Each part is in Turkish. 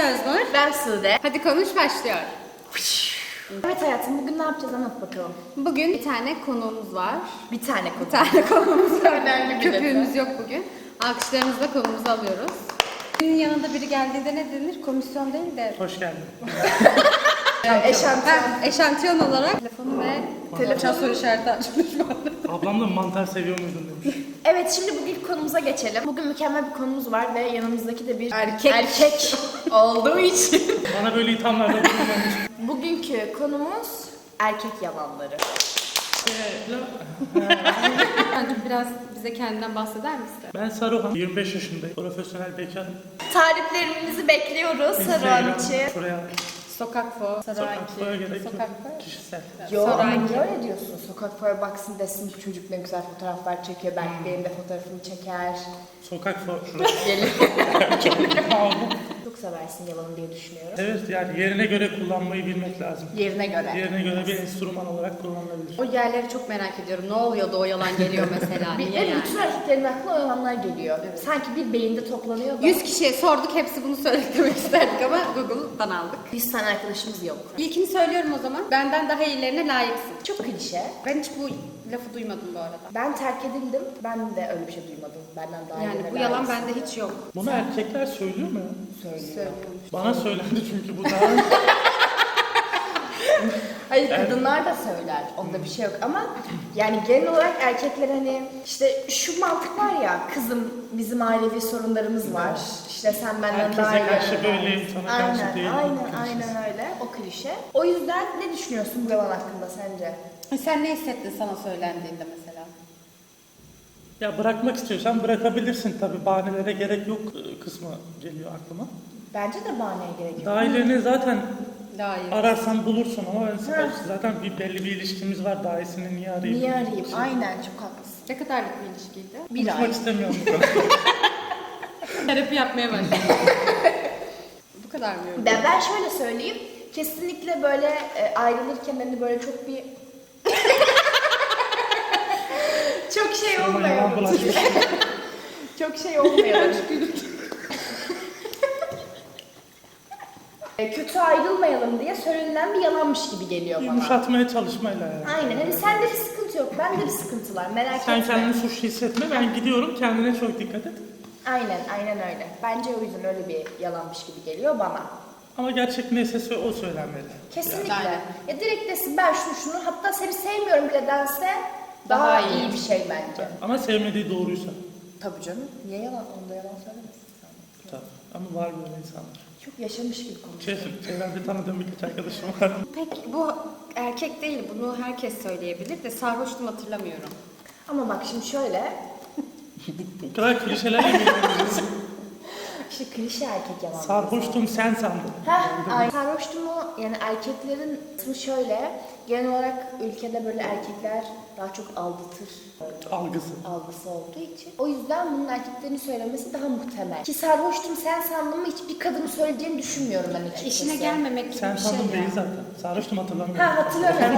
Öznur. Ben Sude. Hadi konuş başlıyor. Evet hayatım, bugün ne yapacağız anlat bakalım. Bugün bir tane konuğumuz var. Bir tane konu. Bir tane konuğumuz var. Önemli bir Köpüğümüz yok bugün. Alkışlarınızla konumuzu alıyoruz. Günün yanında biri geldiğinde ne denir? Komisyon değil de... Hoş geldin. Eşantiyon. Eşantiyon olarak telefonu ve telefon soru işareti açmış vardı. Ablam da mantar seviyor muydun demiş. Evet, şimdi bugün konumuza geçelim. Bugün mükemmel bir konumuz var ve yanımızdaki de bir Erkek. olduğu için. Bana böyle ithamlarda bulunmamış. Bugünkü konumuz erkek yalanları. Bence biraz bize kendinden bahseder misin? Ben Saruhan, 25 yaşındayım. Profesyonel bekarım. Tariflerimizi bekliyoruz Saruhan için. Şuraya Sokak fo, sokak foya gerek yok. Sokak fo. Kişisel. Yo, ama Saruhan niye öyle diyorsun? Sokak foya baksın desin, bu çocuk ne güzel fotoğraflar çekiyor. Belki benim de fotoğrafımı çeker. Sokak foya şuraya. Gelir. Aldım. Çok seversin yalanı diye düşünüyorum. Evet, yani yerine göre kullanmayı bilmek lazım. Yerine göre. Yerine göre bir enstrüman olarak kullanılabilir. O yerleri çok merak ediyorum. Ne oluyordu o yalan geliyor mesela? Bir Niye de yani? bütün erkeklerin aklına o yalanlar geliyor. Sanki bir beyinde toplanıyor da. 100 kişiye sorduk, hepsi bunu söyledik demek isterdik ama Google'dan aldık. 100 tane arkadaşımız yok. İlkini söylüyorum o zaman. Benden daha iyilerine layıksın. Çok klişe. Ben hiç bu lafı duymadım bu arada. Ben terk edildim. Ben de öyle bir şey duymadım. Benden daha Yani iyilerine bu yalan layıksın. bende hiç yok. Bunu erkekler söylüyor mu ya? Söylüyor. Bana söylendi çünkü bu daha... Hayır, kadınlar da söyler. Onda bir şey yok ama yani genel olarak erkekler hani işte şu mantık var ya, kızım bizim ailevi sorunlarımız var. İşte sen benden Herkese daha iyi. karşı böyleyim, sana karşı Aynen, değilim. aynen öyle. O klişe. O yüzden ne düşünüyorsun bu yalan hakkında sence? Sen ne hissettin sana söylendiğinde mesela? Ya bırakmak istiyorsan bırakabilirsin tabii. Bahanelere gerek yok kısmı geliyor aklıma. Bence de bahaneye gerek yok. Daha ilerini zaten Daha iyi. ararsan bulursun ama ben zaten belli bir ilişkimiz var. Daha iyisini niye arayayım? Niye arayayım? Aynen, çok haklısın. Ne kadarlık bir ilişkiydi? Bir ay. Konuşmak istemiyorum bu kadar. Terapi yapmaya başladım. Bu kadar mı yorum? Ben şöyle söyleyeyim. Kesinlikle böyle ayrılırken hani böyle çok bir çok şey Ama yalan olmayalım. bulaşmış. Çok şey olmayalım. Kötü ayrılmayalım diye söylenen bir yalanmış gibi geliyor bana. Yumuşatmaya çalışmayla yani. Aynen. Hani sende bir sıkıntı yok. Bende bir sıkıntı var. Merak Sen etme. kendini suçlu hissetme. Ben gidiyorum. Kendine çok dikkat et. Aynen öyle. Bence o yüzden öyle bir yalanmış gibi geliyor bana. Ama gerçek neyse o söylenmeli. Kesinlikle. Aynen. Ya direkt desin ben şunu hatta seni sevmiyorum bile dense daha iyi bir şey bence. Ama sevmediği doğruysa. Tabii canım. Niye yalan? Onda yalan söylemesin. Tabii. Ama var böyle insanlar. Çok yaşamış gibi konuşuyor. Çevremde tanıdığım birkaç arkadaşım var. Peki bu erkek değil, bunu herkes söyleyebilir de sarhoştum hatırlamıyorum. Ama bak şimdi şöyle. Bu kadar klişelerle geliyoruz. İşte klişe erkek yalan. Sarhoştum sen sandın. Ay. Sarhoştumu yani erkeklerin kısmı şöyle. Genel olarak ülkede böyle erkekler daha çok aldatır Algısı. olduğu için. O yüzden bunun erkeklerin söylemesi daha muhtemel. Ki sarhoştum sen sandın mı hiçbir kadının söyleyeceğini düşünmüyorum ben açıkçası. İşine gelmemek gibi Sen bir şey sandın ya. değil zaten. Sarhoştum hatırlamıyorum. Ha, hatırlamıyorum.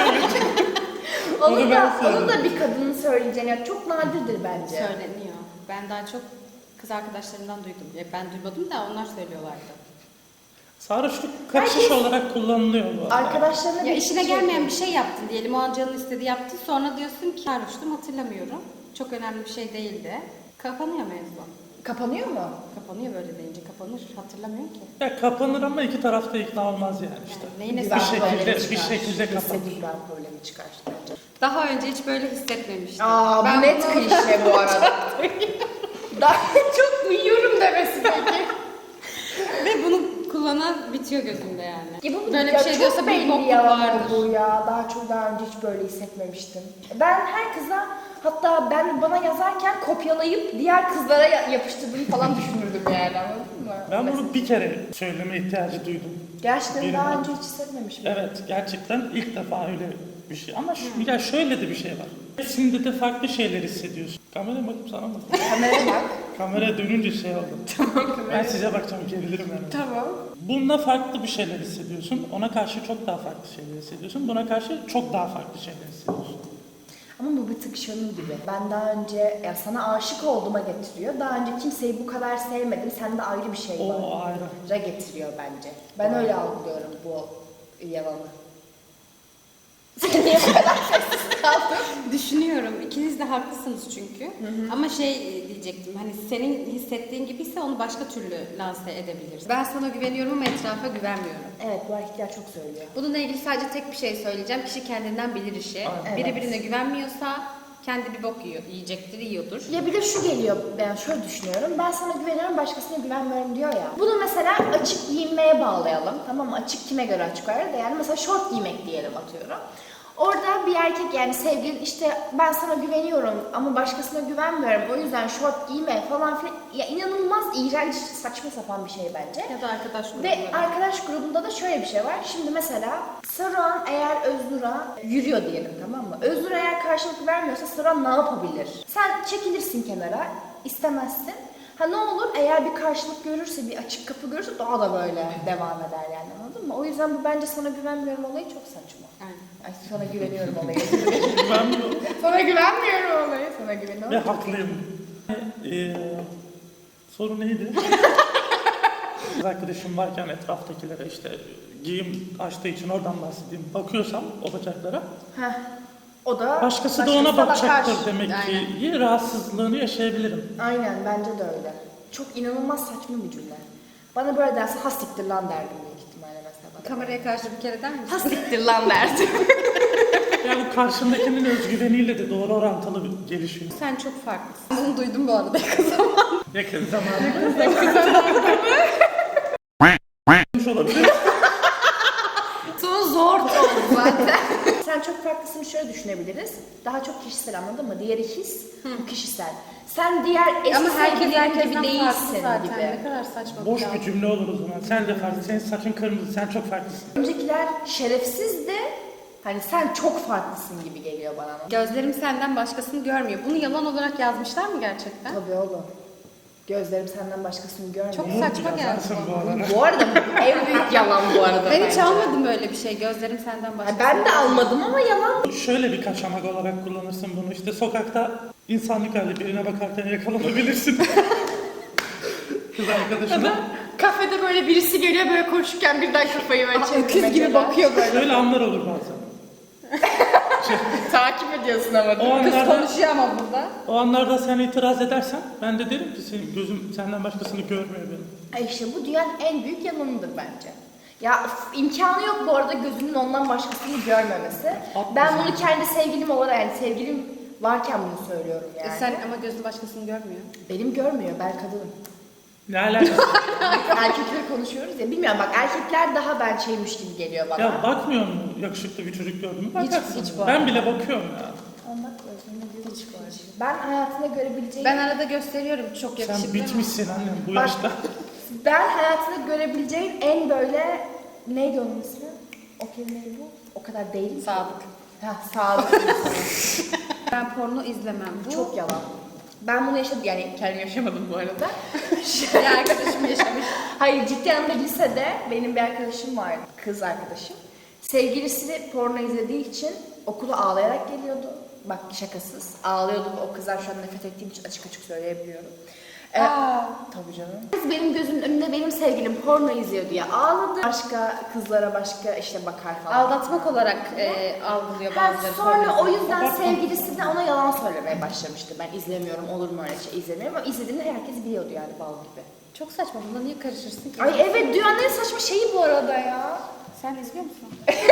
Onu Onu ben da söyledim. bir kadının söyleyeceğini yani çok nadirdir bence. Söyleniyor. Ben daha çok kız arkadaşlarımdan duydum. Ya ben duymadım da onlar söylüyorlardı. Sarhoşluk kaçış olarak kullanılıyor bu arada. Arkadaşlarına Ya bir işine gelmeyen bir şey yaptın diyelim. O an canın istediği yaptın. Sonra diyorsun ki sarhoştum hatırlamıyorum. Çok önemli bir şey değildi. Kapanıyor mevzu. Kapanıyor mu? Kapanıyor böyle deyince. Kapanır. Hatırlamıyor ki. Ya kapanır ama iki tarafta ikna olmaz yani işte. Neyine Güven problemi bir çıkar. şekilde kapanır. Kesinlikle güven problemi çıkar bence. Daha önce hiç böyle hissetmemiştim. Aa, bu net bunu- klişe bu arada. Daha çok duyuyorum demesi peki. Ve bunu kullanan bitiyor gözümde yani. Ya bu Böyle ya bir şey çok diyorsa bir belli bokluk yalan vardır. olduğu ya. Daha önce hiç böyle hissetmemiştim. Ben her kıza hatta bana yazarken kopyalayıp diğer kızlara yapıştırdığını falan düşünürdüm yani, anladın mı? Ben bunu bir kere söyleme ihtiyacı duydum. Gerçekten daha Birine. önce hiç hissetmemişim. Evet, gerçekten ilk defa öyle bir şey. Ama ya şöyle de bir şey var. Hepsinde de farklı şeyler hissediyorsun. Kameraya bakıp sana mı? Kameraya bak. Kameraya dönünce şey oldu. Ben size bakacağım, gerilirim yani. Tamam. Bununla farklı bir şeyler hissediyorsun. Ona karşı çok daha farklı şeyler hissediyorsun. Buna karşı çok daha farklı şeyler hissediyorsun. Ama bu bir tık şunun gibi. Ben daha önce ya sana aşık olduğuma getiriyor. Daha önce kimseyi bu kadar sevmedim. Sende ayrı bir şey var. O ayrı. Ra getiriyor bence. Ben öyle algılıyorum bu yalanı. Sen niye bu kadar sessiz kaldın? Düşünüyorum. İkiniz de haklısınız çünkü. Ama diyecektim. Hani senin hissettiğin gibiyse onu başka türlü lanse edebiliriz. Ben sana güveniyorum ama etrafa güvenmiyorum. Evet, bu erkekler çok söylüyor. Bununla ilgili sadece tek bir şey söyleyeceğim. Kişi kendinden bilir işi. Aynen. Biri Evet. birine güvenmiyorsa kendi bir bok yiyecektir, yiyordur. Ya bir de şu geliyor, ben şöyle düşünüyorum. Ben sana güveniyorum, başkasına güvenmiyorum diyor ya. Bunu mesela açık giyinmeye bağlayalım. Tamam mı? Açık kime göre açık var da yani mesela şort giymek diyelim atıyorum. Orada bir erkek yani sevgilin işte ben sana güveniyorum ama başkasına güvenmiyorum. O yüzden şort giyme falan filan. Ya inanılmaz iğrenç, saçma sapan bir şey bence. Ya da arkadaş Ve grupları. arkadaş grubunda da şöyle bir şey var. Şimdi mesela Saruhan eğer Öznur'a yürüyor diyelim, tamam mı? Öznur eğer karşılık vermiyorsa Saruhan ne yapabilir? Sen çekilirsin kenara, istemezsin. Ha ne olur eğer bir karşılık görürse, bir açık kapı görürse daha da böyle devam eder yani, anladın mı? O yüzden bu bence sana güvenmiyorum olayı çok saçma. Aynen. Ay sana güveniyorum olayı. Güvenmiyorum. Sana güvenmiyorum olayı. Sana Ve güveniyorum. haklıyım. Soru neydi? Kız arkadaşım varken etraftakilere işte giyim açtığı için oradan bahsedeyim. Bakıyorsam o bacaklara, Heh. O da başkası da ona bakacaktır bakar. demek Aynen. ki. Rahatsızlığını yaşayabilirim. Aynen, bence de öyle. Çok inanılmaz saçma bir cümle. Bana böyle derse ha siktir lan derdim büyük ihtimalle mesela. Bana. Kameraya karşı bir kere der misin? Ha siktir lan derdim. Yani bu karşındakinin özgüveniyle de doğru orantılı bir gelişiyor. Sen çok farklısın. Bunu duydum bu arada yakın zamanda. Yakın zamanda. olabilir. Sonu zor oldu zaten. Sen çok farklısın, şöyle düşünebiliriz. Daha çok kişisel, anladın mı? Diğeri his, bu kişisel. Sen diğer eski Ama herkes sevgilin herkesten gibi farklı değilsin zaten. gibi. Ne kadar saçma Boş laf. bir cümle olur o zaman. Sen de farklı. Senin saçın kırmızı. Sen çok farklısın. Öncekiler şerefsiz de hani sen çok farklısın gibi geliyor bana. Gözlerim senden başkasını görmüyor. Bunu yalan olarak yazmışlar mı gerçekten? Tabii oğlum. Gözlerim senden başkasını görmüyor. Çok Umut saçma geldi yazarsın bana. bu arada. Bu arada en büyük yalan bu arada. Ben hiç bence. almadım böyle bir şey. Gözlerim senden Ha, başkasını ben de almadım ama yalan. Şöyle bir kaçamak olarak kullanırsın bunu. İşte sokakta insanlık hali birine bakarken yakalanabilirsin. Kız arkadaşına. Kafede böyle birisi geliyor böyle koşurken birden kafayı böyle çeviriyor. Öküz gibi bakıyor böyle. Şöyle anlar olur bazen. Takip ediyorsun ama. O Kız anlarda, konuşuyor ama burada. o anlarda sen itiraz edersen ben de derim ki senin gözüm senden başkasını görmüyor benim. Ay işte bu dünyanın en büyük yalanıdır bence. Ya imkanı yok bu arada gözünün ondan başkasını görmemesi. Haklısın. Ben bunu kendi sevgilim olarak, yani sevgilim varken bunu söylüyorum yani. Sen ama gözün başkasını görmüyor. Benim görmüyor, ben kadınım. Ne alakası? Erkekler konuşuyoruz ya, bilmiyorum bak erkekler daha ben şeymiş gibi geliyor bana. Ya bakmıyor mu yakışıklı bir çocuk gördün mü? Bakarsın. hiç bu Ben arada. bile bakıyorum ya. Ondan özünde diyor hiç var. Ben hayatında görebileceğim... Ben arada gösteriyorum çok yakışıklı. Sen bitmişsin annem bu Bak, yaşta. Ben hayatında görebileceğim en böyle... Neydi onun ismi? O kelimeyi bu. O kadar değil mi? Sadık. Heh, sadık insan. Ben porno izlemem. Bu Çok yalan. Ben bunu yaşadım, yani kendim yaşamadım bu arada. bir arkadaşım yaşamış. Hayır, ciddi anlamda lisede benim bir arkadaşım vardı, kız arkadaşım. Sevgilisi porno izlediği için okula ağlayarak geliyordu. Bak şakasız. Ağlıyordu ve o kızlar şu an nefret ettiğim için açık açık söyleyebiliyorum. Tabii canım. Kız benim gözümün önünde benim sevgilim porno izliyor diye ağladı. Başka kızlara başka işte bakar falan. Aldatmak olarak algılıyor Ha, bazıları. sonra o porno. yüzden Abartma. sevgilisi de ona yalan söylemeye başlamıştı. Ben izlemiyorum, olur mu öyle şey, izlemiyorum. Ama izlediğini herkes biliyordu yani, bal gibi. Çok saçma. Buna niye karışırsın ki? Ay evet, dünyanın en saçma şeyi bu arada ya. Sen izliyor musun?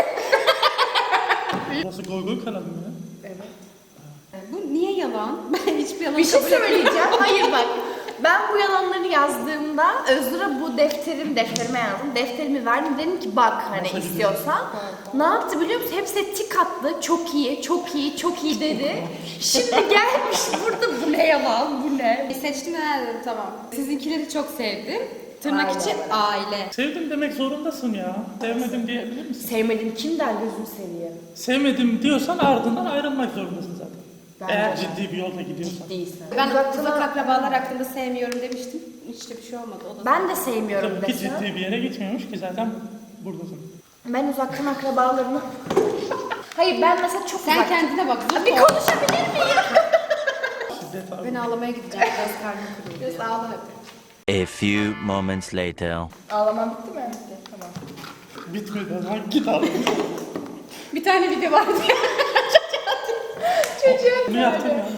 Burası Goygoy kanalı mı ya? Evet. Bu niye yalan? Ben hiçbir yalan Bir şey kabul etmiyorum. söyleyeceğim. Hayır bak. Ben bu yalanları yazdığımda Özgür'e bu defterime yazdım. Defterimi verdim. Dedim ki bak hani Nasıl istiyorsan. Ne yaptı biliyor musun? Hepsi tik attı. Çok iyi, çok iyi, çok iyi dedi. Şimdi gelmiş burada bu ne yalan, bu ne? Seçtim ha dedim tamam. Sizinkileri çok sevdim. Tırnak Aile için olarak. aile. Sevdim demek zorundasın ya. Sevmedim diyebilir misin? Sevmedim kim der gözüm seviyor. Sevmedim diyorsan ardından ayrılmak zorundasın zaten. Bence Eğer de. ciddi bir yolda gidiyorsan. Değilsin. Ben Uzaktan- uzak akrabalar hakkında sevmiyorum demiştim. Hiç de bir şey olmadı. O da Ben de sevmiyorum Tabii ki desem. ciddi bir yere gitmiyormuş ki zaten buradasın. Ben uzaktan akrabalarımı... Hayır ben mesela çok Sen uzak. kendine bak. Dur Bir konuşabilir miyim? Şiddet var. Ben ağlamaya gideceğim. Biraz karnım kırıldı. Biraz ağla hadi. A few moments later. Ağlaman bitti mi? Bitti. Tamam. Bitmedi. Lan git al. Bir tane video vardı. Bunu yaptım ya.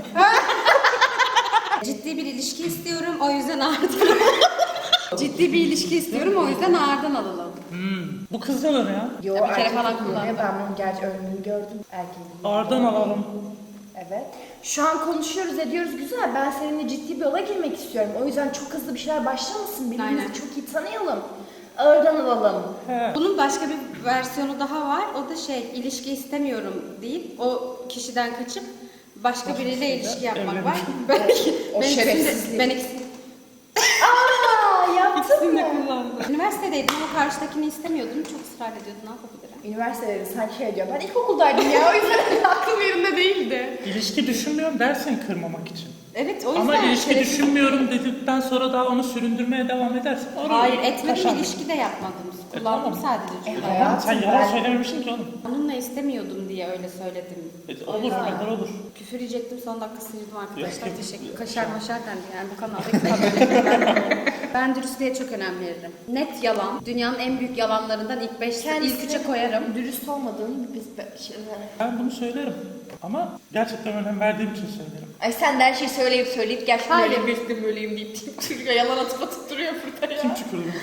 Ciddi bir ilişki istiyorum, o yüzden ağırdan Ciddi bir ilişki istiyorum, o yüzden ağırdan alalım. Bu kızda da ne ya? Yo, Bir kere erkek falan kullanıyor. kullandım. Ben bunun gerçi önünü gördüm. Erkeğin. Ağırdan alalım. Evet. Şu an konuşuyoruz ediyoruz güzel. Ben seninle ciddi bir yola girmek istiyorum. O yüzden çok hızlı bir şeyler başlamasın. Birbirimizi Aynen. çok iyi tanıyalım. Ağırdan alalım. He. Bunun başka bir versiyonu daha var, o da ilişki istemiyorum deyip o kişiden kaçıp başka biriyle ilişki yapmak var. O Ben şerefsizliği. ben ikisini Aa yaptın de mı? kullandım. Üniversitedeydim ama karşıdakini istemiyordum, çok ısrar ediyordu, ne yapabilirim? Üniversitede sanki şey diyor. Ben ilkokuldaydım ya. O yüzden aklım yerinde değildi. İlişki düşünmüyorum dersin kırmamak için. Evet, o yüzden Ama ilişki şerefsiz- düşünmüyorum dedikten sonra daha onu süründürmeye devam edersin. Oraya Hayır, etmedim, kaşar. ilişki de yapmadım. Kullandım tamam. sadece çünkü. hayatım, Sen yalan ben- söylememişsin ki oğlum. Onunla istemiyordum diye öyle söyledim. Olur, kadar olur. Küfür yiyecektim, son dakika sıyırdım arkadaşlar. Yok, Teşekkür. Kaşar maşar dendi yani bu kanalda. Ben dürüstlüğe çok önem veririm. Net yalan. Dünyanın en büyük yalanlarından ilk üçe koyarım. Dürüst olmadığını biz Ben bunu söylerim. Ama gerçekten önem verdiğim için söylerim. Ay sen de her şeyi söyleyip gerçekten Hayır. böyleyim deyip duruyor. Yalan atıp duruyor burada ya. Kim tükürdü?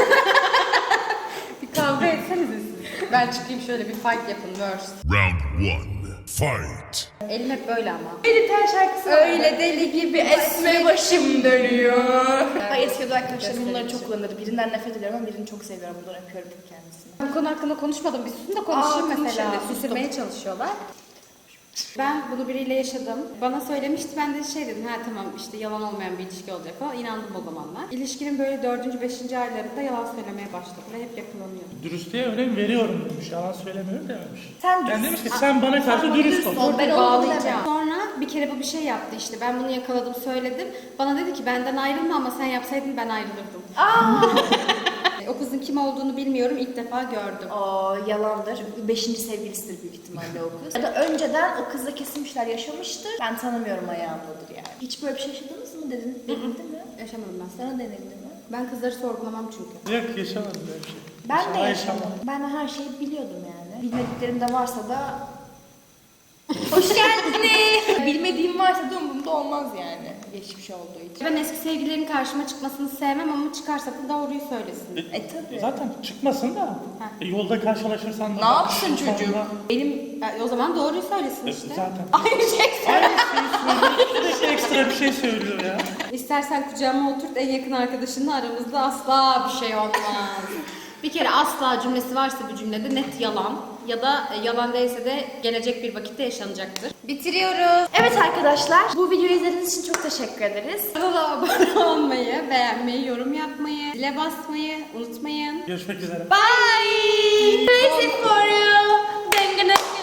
Bir kavga etsenize siz. Ben çıkayım şöyle bir fight yapın verse. Round one. Fight. Elim hep böyle ama. Biter şarkısı var. Öyle deli gibi esme başım dönüyor. Ay eski arkadaşlarım bunları çok kullanırdı. Birinden nefret ediyorum ama birini çok seviyorum. Buradan öpüyorum kendisini. Bu konu hakkında konuşmadım. Bir susun da konuşayım Aa, mesela. konuşalım. Bitirmeye çalışıyorlar. Ben bunu biriyle yaşadım. Bana söylemişti, ben de dedim, ha tamam işte yalan olmayan bir ilişki olacak falan. İnandım o zamanlar. İlişkinin böyle 4. 5. aylarında yalan söylemeye başladı ve hep yakalanıyordu. Dürüstlüğe önem veriyorum demiş. Yalan söylemiyorum dememiş. Sen Yani dürüst- demiş ki sen bana karşı bana dürüst dürüst ol. ol. Ben onu Bağlayacağım. Sonra bir kere bu bir şey yaptı işte. Ben bunu yakaladım, söyledim. Bana dedi ki benden ayrılma ama sen yapsaydın ben ayrılırdım. O kızın kim olduğunu bilmiyorum. İlk defa gördüm. O yalandır. 5. sevgilisidir büyük ihtimalle o kız. Ya da önceden o kızla kesilmişler, yaşamıştır. Ben tanımıyorum ayağındadır yani. Hiç böyle bir şey yaşadınız mı denildi mi? Yaşamadım ben. Sana denildi mi? Ben kızları sorgulamam çünkü. Yok yaşamadım böyle bir şey. Ben de İnşallah yaşamadım. Ben her şeyi biliyordum yani. Bilmediklerim de varsa da... Hoş geldiniz. Bilmediğim varsa da umurumda olmaz yani. Geçmiş olduğu için. Ben eski sevgililerin karşıma çıkmasını sevmem ama çıkarsa da doğruyu söylesin. Tabii. Zaten çıkmasın da yolda karşılaşırsan da... Ne yapsın sonra- çocuğum? Benim o zaman doğruyu söylesin işte. Zaten. Aynı şey. Aynı şeyi söylüyor. Sürekli ekstra bir şey söylüyor ya. İstersen kucağıma oturt, en yakın arkadaşınla aramızda asla bir şey olmaz. Bir kere asla cümlesi varsa bu cümlede net yalan ya da yalan değilse de gelecek bir vakitte yaşanacaktır. Bitiriyoruz. Evet arkadaşlar, bu videoyu izlediğiniz için çok teşekkür ederiz. Kanala abone olmayı, beğenmeyi, yorum yapmayı, zile basmayı unutmayın. Görüşmek üzere. Bye! Crazy for you.